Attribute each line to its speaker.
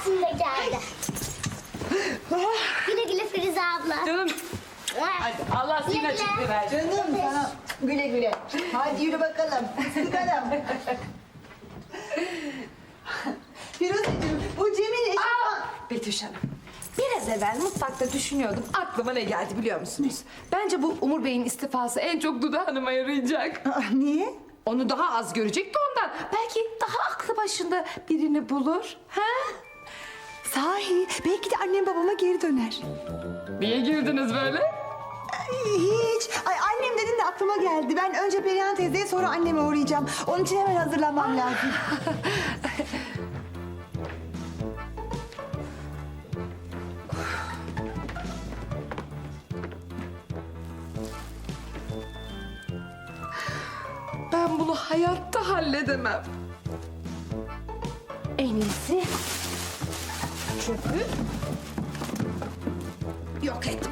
Speaker 1: Şimdi geldi. Güle güle Firuze abla.
Speaker 2: Canım hadi Allah senin açıklığı versin.
Speaker 3: Canım sana güle güle. Hadi yürü bakalım. Sıkalım. Firuzeciğim bu Cem'in eşi...
Speaker 2: Betüş Hanım. Biraz evvel mutfakta düşünüyordum. Aklıma ne geldi biliyor musunuz? Bence bu Umur Bey'in istifası en çok Duda Hanım'a yarayacak.
Speaker 3: Niye?
Speaker 2: Onu daha az görecek de ondan. Belki daha aklı başında birini bulur. Ha?
Speaker 3: Sahi belki de annem babama geri döner.
Speaker 2: Niye girdiniz böyle?
Speaker 3: Hiç. Ay annem dedin de aklıma geldi. Ben önce Perihan teyzeye sonra anneme uğrayacağım. Onun için hemen hazırlanmam lazım.
Speaker 2: Ben bunu hayatta halledemem. En iyisi çöpü yok et.